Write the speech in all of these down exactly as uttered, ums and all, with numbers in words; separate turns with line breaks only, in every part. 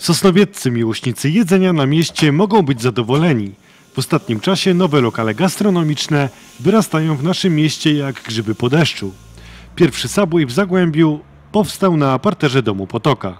Sosnowieccy miłośnicy jedzenia na mieście mogą być zadowoleni. W ostatnim czasie nowe lokale gastronomiczne wyrastają w naszym mieście jak grzyby po deszczu. Pierwszy Subway w Zagłębiu powstał na parterze domu Potoka.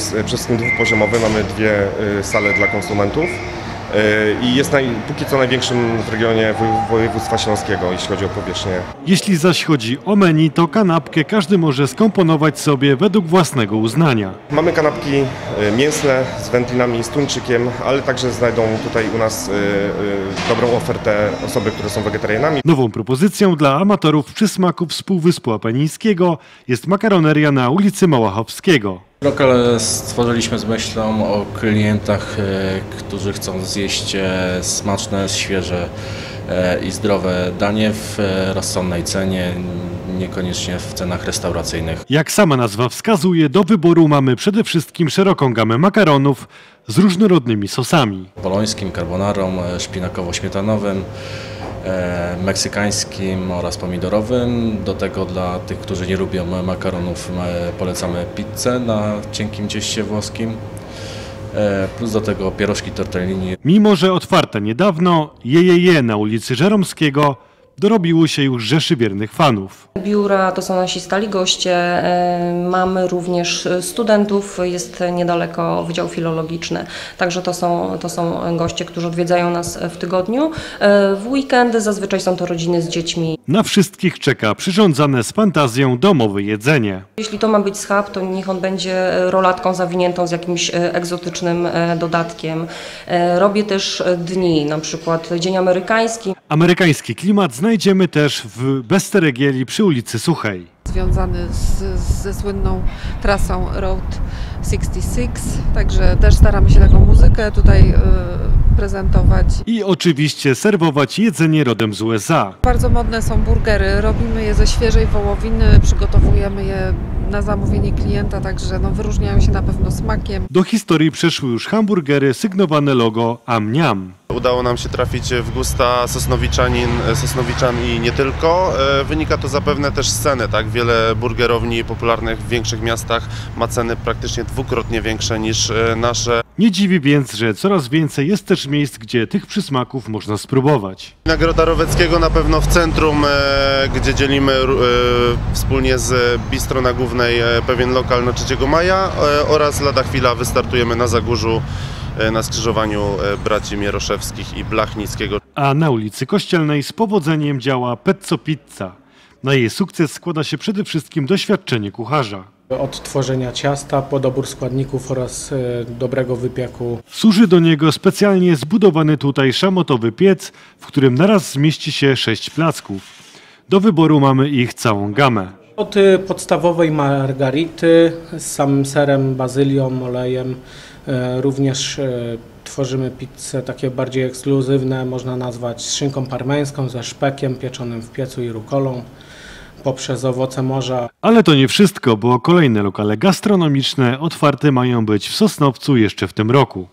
Jeśli zaś chodzi o menu, to kanapkę każdy może skomponować sobie według własnego uznania.
Mamy kanapki mięsne z wędlinami i z tuńczykiem, ale także znajdą tutaj u nas dobrą ofertę osoby, które są wegetarianami.
Nową propozycją dla amatorów przysmaków z Półwyspu Apenińskiego jest makaroneria na ulicy Małachowskiego.
Lokal stworzyliśmy z myślą o klientach, którzy chcą zjeść smaczne, świeże i zdrowe danie w rozsądnej cenie, niekoniecznie w cenach restauracyjnych.
Jak sama nazwa wskazuje, do wyboru mamy przede wszystkim szeroką gamę makaronów z różnorodnymi sosami.
Bolońskim, carbonarą, szpinakowo-śmietanowym, meksykańskim oraz pomidorowym. Do tego dla tych, którzy nie lubią makaronów, polecamy pizzę na cienkim cieście włoskim. Plus do tego pierożki tortellini.
Mimo że otwarte niedawno, Jejeje na ulicy Żeromskiego dorobiło się już rzeszy wiernych fanów.
Biura to są nasi stali goście, mamy również studentów, jest niedaleko Wydział Filologiczny, także to są, to są goście, którzy odwiedzają nas w tygodniu. W weekendy zazwyczaj są to rodziny z dziećmi.
Na wszystkich czeka przyrządzane z fantazją domowe jedzenie.
Jeśli to ma być schab, to niech on będzie rolatką zawiniętą z jakimś egzotycznym dodatkiem. Robię też dni, na przykład Dzień Amerykański.
Amerykański klimat znajdziemy też w Besteregieli przy ulicy Suchej.
Związany z, ze słynną trasą Route sześćdziesiąt sześć, także też staramy się taką muzykę tutaj y, prezentować.
I oczywiście serwować jedzenie rodem z U S A.
Bardzo modne są burgery, robimy je ze świeżej wołowiny, przygotowujemy je na zamówienie klienta, także no, wyróżniają się na pewno smakiem.
Do historii przeszły już hamburgery sygnowane logo Am-Niam.
Udało nam się trafić w gusta sosnowiczanin, sosnowiczan i nie tylko. Wynika to zapewne też z ceny, tak? Wiele burgerowni popularnych w większych miastach ma ceny praktycznie dwukrotnie większe niż nasze.
Nie dziwi więc, że coraz więcej jest też miejsc, gdzie tych przysmaków można spróbować.
Nagroda Roweckiego na pewno w centrum, gdzie dzielimy wspólnie z Bistro na Głównej pewien lokal na trzeciego maja oraz lada chwila wystartujemy na Zagórzu na skrzyżowaniu braci Mieroszewskich i Blachnickiego.
A na ulicy Kościelnej z powodzeniem działa Pezzo Pizza. Na jej sukces składa się przede wszystkim doświadczenie kucharza.
Od tworzenia ciasta po dobór składników oraz dobrego wypieku.
Służy do niego specjalnie zbudowany tutaj szamotowy piec, w którym naraz zmieści się sześć placków. Do wyboru mamy ich całą gamę.
Od podstawowej margarity z samym serem, bazylią, olejem. Również tworzymy pizze takie bardziej ekskluzywne, można nazwać z szynką parmeńską, ze szpekiem pieczonym w piecu i rukolą, poprzez owoce morza.
Ale to nie wszystko, bo kolejne lokale gastronomiczne otwarte mają być w Sosnowcu jeszcze w tym roku.